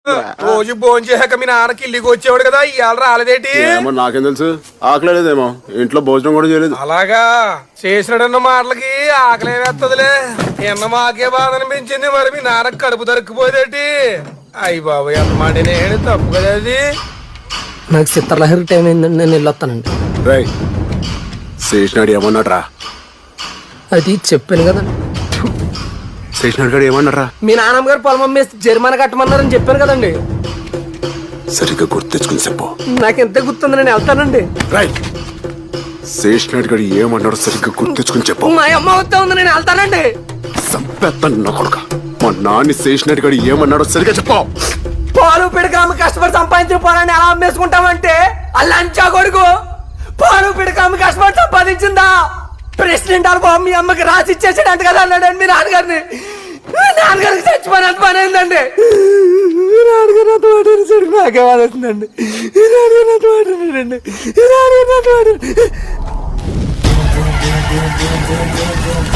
రోజు భోజనం చేశాక మీ నాన్నకి ఇల్లుకి వచ్చేవాడు కదా ఇవాళ రాలేదేటి? నాకేం తెలుసు, ఆకలేదేమో, ఇంట్లో భోజనం కూడా చేయలేదు. అలాగా చేసినాడన్న మాటలకి ఆకలే వేస్తదిలే. ఎన్న మాకే బాధ అనిపించింది, మరి మీ నాన్నకి కడుపు దొరికిపోయేదేటి? అయ్యి బాబు ఎంత మాట నేను తప్పు కదా అది. నాకు చిత్రలహరి టైం అయిందండి, నేను వెళ్ళొస్తానండి. రై శేషనాడు ఏమన్నాడ్రా? అది చెప్పాను కదండి. శేషనాడు గారు ఏమన్నారా? మీ నాన్నమ్మ గారు పొలం అమ్మేసి జరిమానా కట్టమన్నారని చెప్పాను కదండి. సరిగ్గా గుర్తు తెచ్చుకుని చెప్పు. నాకు ఎంత గుర్తుంది, నేను వెళ్తానండి. రై శేషనాడు గారు ఏమన్నాడు సరిగ్గా గుర్తు తెచ్చుకుని చెప్పు. మా అమ్మ వస్తా ఉంది, నేను వెళ్తానండి. సంపెత్తాను నా కొడుక. మా నాన్న శేషనాడు గారు ఏమన్నాడో సరిగ్గా చెప్పు. పాలు పిడకాము కష్టపడి సంపాదించిన పొలాన్ని ఎలా అమ్మేసుకుంటామంటే అల్లంచా కొడుకు. పాలు పిడకాము కష్టపడి సంపాదించిందా ప్రెసిడెంట్ అనుభవం మీ అమ్మకి రాసి ఇచ్చేసాడు అంత కదా అన్నాడండి మీ నాన్నగారిని. నాన్నగారికి చచ్చిపోయినంత పని అయిందండి. నాన్నగారు అంత మాట్లాడేసరికి నాకే వాడుతుందండి. నాన్నగారు అంత మాట్లాడాడండి. నాన్నగారు అంత మాట్లాడు.